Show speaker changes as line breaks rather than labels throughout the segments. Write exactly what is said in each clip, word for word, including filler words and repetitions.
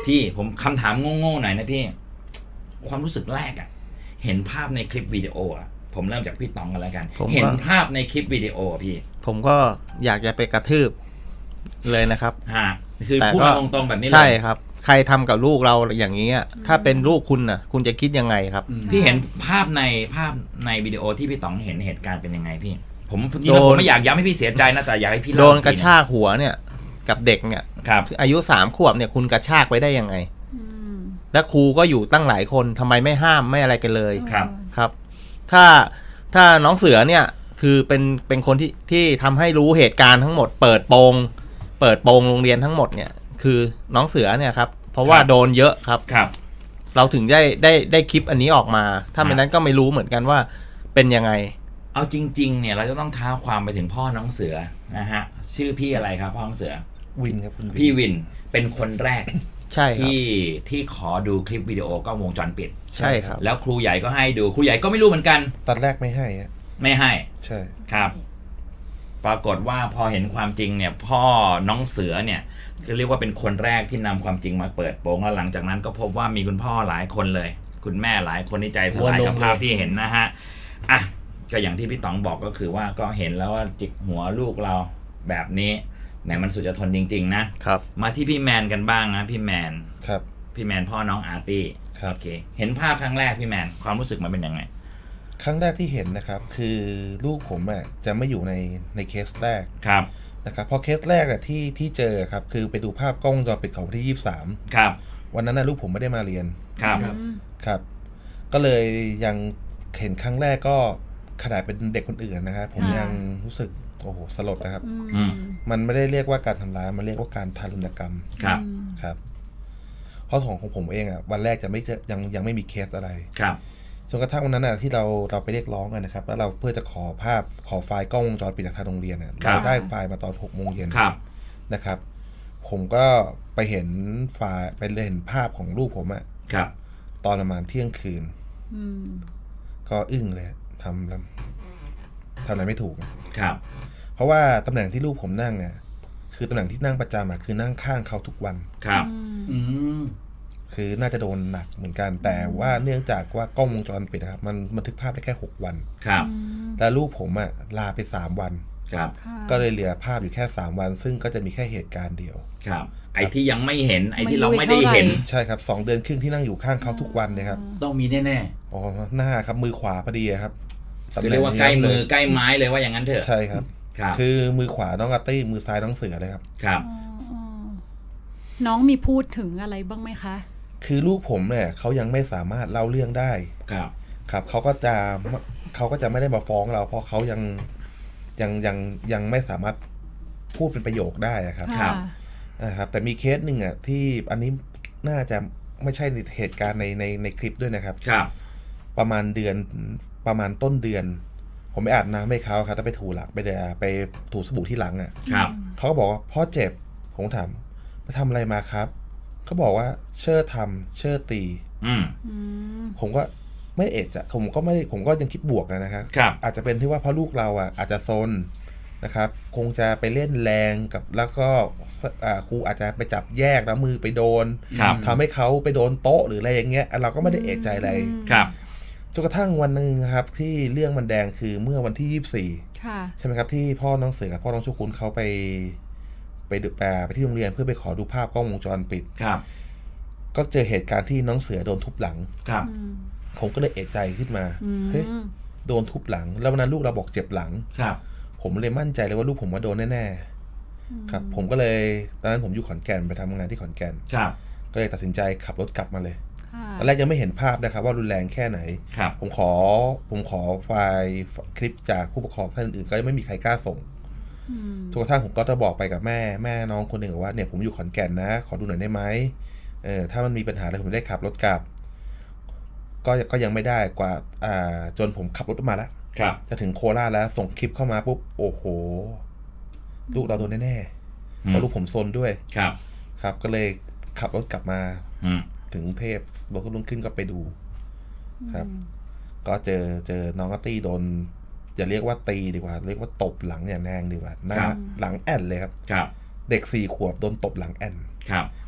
พี่ผมคำถามโง่ๆหน่อยนะพี่ความรู้สึกแรกอะเห็นภาพในคลิปวิดีโออะผมเริ่มจากพี่ต๋องกันแล้วกันเห็นภาพในคลิปวิดีโอพี่
ผมก็อยากจะไปกระทืบเลยนะครับ
ฮะคือพูดมาตรงๆแบบนี้เลย
ใช่ครับใครทำกับลูกเราอย่างนี้ถ้าเป็นลูกคุณน่ะคุณจะคิดยังไงครับ
พี่เห็นภาพในภาพในวิดีโอที่พี่ต๋องเห็นเหตุการณ์เป็นยังไงพี่ผมทีนี้ผมไม่อยากย้ำให้พี่เสียใจนะแต่อยากให้พี่
โดนกระชากหัวเนี่ยกับเด็กเนี่ยอายุสามขวบเนี่ยคุณกระชากไปได้ยังไงและครูก็อยู่ตั้งหลายคนทำไมไม่ห้ามไม่อะไรกันเลย
ครับ
ครับถ้าถ้าน้องเสือเนี่ยคือเป็นเป็นคนที่ที่ทำให้รู้เหตุการณ์ทั้งหมดเปิดโปงเปิดโปงโรงเรียนทั้งหมดเนี่ยคือน้องเสือเนี่ยครับเพราะว่าโดนเยอะครับ
ครับ
เราถึงได้ได้ได้คลิปอันนี้ออกมาถ้าไม่นั้นก็ไม่รู้เหมือนกันว่าเป็นยังไง
เอาจริงๆเนี่ยเราจะต้องท้าความไปถึงพ่อน้องเสือนะฮะชื่อพี่อะไรครับพ่อน้องเสือ
วินครับ
พี่วินเป็นคนแรก
ใช่
ที่ที่ขอดูคลิปวิดีโอกล้องวงจรปิด
ใช่ครับ
แล้วครูใหญ่ก็ให้ดูครูใหญ่ก็ไม่รู้เหมือนกัน
ตอนแรกไม่ให้
ไม่ให้
ใช่
ครับปรากฏว่าพอเห็นความจริงเนี่ยพ่อน้องเสือเนี่ยก็เรียกว่าเป็นคนแรกที่นำความจริงมาเปิดโปงแล้วหลังจากนั้นก็พบว่ามีคุณพ่อหลายคนเลยคุณแม่หลายคนที่ใจสลายกับภาพที่เห็นนะฮะอ่ะก็อย่างที่พี่ต๋องบอกก็คือว่าก็เห็นแล้วว่าจิกหัวลูกเราแบบนี้แหมมันสุดจะทนจริงๆนะครับมาที่พี่แมนกันบ้างนะพี่แมน
ครับ
พี่แมนพ่อน้องอาร์ตี้
ครับ
โอเคเห็นภาพครั้งแรกพี่แมนความรู้สึกมันเป็นยังไง
ครั้งแรกที่เห็นนะครับคือลูกผมอ่ะจะไม่อยู่ในในเคสแรก
ครับ
นะครับพอเคสแรกอ่ะที่ที่เจอครับคือไปดูภาพกล้องวงจรปิดของวันที่ยี่สิบสาม
ครับ
วันนั้นนะลูกผมไม่ได้มาเรียน
ครับ
ครับก็เลยยังเห็นครั้งแรกก็ขนาดเป็นเด็กคนอื่นนะครับผมยังรู้สึกโอ้โหสลดนะครับมันไม่ได้เรียกว่าการทำร้ายมันเรียกว่าการทารุณกรรม
ครับ
ครับเพราะของของผมเองอ่ะวันแรกจะไม่ยังยังไม่มีเคสอะไร
ครับ
จนกระทั่งวันนั้นน่ะที่เราเราไปเรียกร้องกันนะครับแล้วเราเพื่อจะขอภาพขอไฟล์กล้องวงจรปิดจากทางโรงเรียนเราได้ไฟล์มาตอนหกโมงเย็นนะครับผมก็ไปเห็นไฟล์ไปเห็นภาพของลูกผมอะตอนประมาณเที่ยงคืนก็อึ้งเลยทำแล้วทำอะไรไม่ถูก
ครับ
เพราะว่าตำแหน่งที่ลูกผมนั่งเนี่ยคือตำแหน่งที่นั่งประจำอะคือนั่งข้างเขาทุกวัน
ครับ
คือน่าจะโดนหนักเหมือนกันแต่ว่าเนื่องจากว่ากล้องวงจรปิดนะครับมันบันทึกภาพได้แค่หกวัน
ครับ
แล้วลูกผมอ่ะลาไปสามวัน
ครับ
ก็เลยเหลือภาพอยู่แค่สามวันซึ่งก็จะมีแค่เหตุการณ์เดียว
ครับไอ้ที่ยังไม่เห็นไอ้ที่เราไม่ได้เห็น
ใช่ครับสองเดือนครึ่งที่นั่งอยู่ข้างเขาทุกวันเนี่ยครับ
ต้องมีแน่
ๆอ๋อหน้าครับมือขวาพอดีครับ
คือเรียกว่าใกล้มือใกล้ไม้เลยว่าอย่างนั้นเถอะ
ใช่ครับคือมือขวาน้องอาร์ตี้มือซ้ายน้องเสือเลยครับ
ครับ
น้องมีพูดถึงอะไรบ้างไหมคะ
คือลูกผมเนี่ยเขายังไม่สามารถเล่าเรื่องได้
ครับ
ครับเขาก็จะเขาก็จะไม่ได้มาฟ้องเราเพราะเขายังยังยังยังไม่สามารถพูดเป็นประโยคได้ครับ
ครับ
นะครับแต่มีเคสหนึ่งอ่ะที่อันนี้น่าจะไม่ใช่ในเหตุการณ์ในในในคลิปด้วยนะครับ
ครับ
ประมาณเดือนประมาณต้นเดือนผมไปอาบน้ำให้เขาครับแล้วไปถูหลังไปเดไปถูสบู่ที่หลังอ่ะ
ครับ
เขาก็บอกว่าพ่อเจ็บผมถามไปทำอะไรมาครับเขาบอกว่าเชื่อทำเชื่อตีผมก็ไม่เอะจะผมก็ไม่ผมก็ยังคิดบวกนะครับอาจจะเป็นที่ว่าเพราะลูกเราอ่ะอาจจะซนนะครับคงจะไปเล่นแรงกับแล้วก็ครูอาจจะไปจับแยกแล้วมือไปโดนทำให้เขาไปโดนโต๊ะหรืออะไรอย่างเงี้ยเราก็ไม่ได้เอะใจอะไรจนกระทั่งวันหนึ่งครับที่เรื่องมันแดงคือเมื่อวันที่ยี่สิบสี่ใช่ไหมครับที่พ่อน้องเสือกับพ่อน้องชุกุลเขาไปไปดูแปลไปที่โรงเรียนเพื่อไปขอดูภาพกล้องวงจรปิด
ครับ
ก็เจอเหตุการณ์ที่น้องเสือโดนทุบหลัง
ครับ
ผมก็เลยเอะใจขึ้นมาเฮ้ยโดนทุบหลังแล้ววันนั้นลูกเราบอกเจ็บหลัง
ครับ
ผมเลยมั่นใจเลยว่าลูกผมว่าโดนแน่ๆครับผมก็เลยตอนนั้นผมอยู่ขอนแก่นไปทำงานที่ขอนแก่น
ครับ
ก็เลยตัดสินใจขับรถกลับมาเลยตอนแรกยังไม่เห็นภาพนะครับว่ารุนแรงแค่ไหนผมขอผมขอไฟล์คลิปจากผู้ปกครองท่านอื่นก็ยังไม่มีใครกล้าส่งทุกท่านผมก็จะบอกไปกับแม่แม่น้องคนหนึ่งว่าเนี่ยผมอยู่ขอนแก่นนะขอดูหน่อยได้ไหมเออถ้ามันมีปัญหาอะไรผมได้ขับรถกลับก็ก็ยังไม่ได้กว่าอ่าจนผมขับรถมาแล้วจะถึงโคราชแล้วส่งคลิปเข้ามาปุ๊บโอ้โหลูกเราโดนแน่ๆเพราะลูกผมซนด้วย
ครับ
ครับก็เลยขับรถกลับมาถึงกรุงเทพรถก็ลุ่งขึ้นก็ไปดูครับก็เจอเจอน้องอาร์ตี้โดนอย่าเรียกว่าตีดีกว่าเรียกว่าตบหลังอย่างแรงดีกว่าหน้าหลังแอนเลยครับเด็กสี่ขวบโดนตบหลังแอน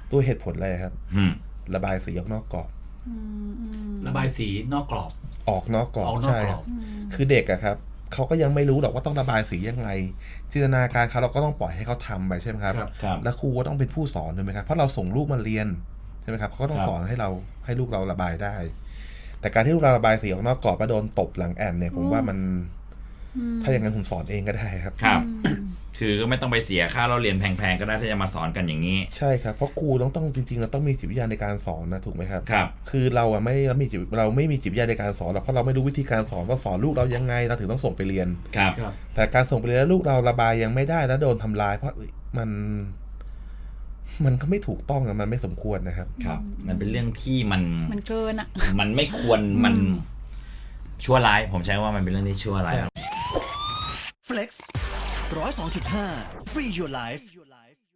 ตัวเหตุผลอะไรครับ
อืม
ระบายสีออกนอกกรอบ
อืมอืม
ระบายสีนอกกรอบ
ออกนอกกรอบ
ออกนอก
ใช่
กร
ค
อ
รั
บบ
อืม
คือเด็กอะครับเขาก็ยังไม่รู้หรอกว่าต้องระบายสียังไงจินตนาการเขาเราก็ต้องปล่อยให้เขาทำไปใช่ไหมครับ
ครับ
ครับ
แล้วครูก็ต้องเป็นผู้สอนถูกไหมครับเพราะเราส่งลูกมาเรียนใช่ไหมครับเขาก็ต้อง
ครับ
สอนให้เราให้ลูกเราระบายได้ แต่การที่ลูกเราระบายสีออกนอกกรอบแล้วโดนตบหลังแอนเนี่ยผมว่ามัน
อืม
ถ้าอย่างนั้นผมสอนเองก็ได้ครับ
ครับ
อืม
คือก็ไม่ต้องไปเสียค่าเราเรียนแพงๆก็ได้ถ้าจะมาสอนกันอย่างนี้
ใช่ครับเพราะครูต้องต้องจริงๆเราต้องมีจิตวิทยาในการสอนนะถูกไหมครับ
ครับ
คือเราอะไม่เรามีจิตเราไม่มีจิตวิทยาในการสอนหรอกเพราะเราไม่รู้วิธีการสอนว่าสอนลูกเรายังไงเราถึงต้องส่งไปเรียน
ครับ
ครับ
แต่การส่งไปเรียนแล้วลูกเราระบายยังไม่ได้แล้วโดนทำลาย เพราะมัน มันก็ไม่ถูกต้องอะมันไม่สมควรนะครับ
ครับ มันเป็นเรื่องที่มัน
มันเกินอ่ะ
มันไม่ควรมัน
อืม
ชั่วร้าย ผมใช้ว่ามันเป็นเรื่องที่ชั่วร้าย
ใช่
Flex ร้อยสองจุดห้า Free Your Life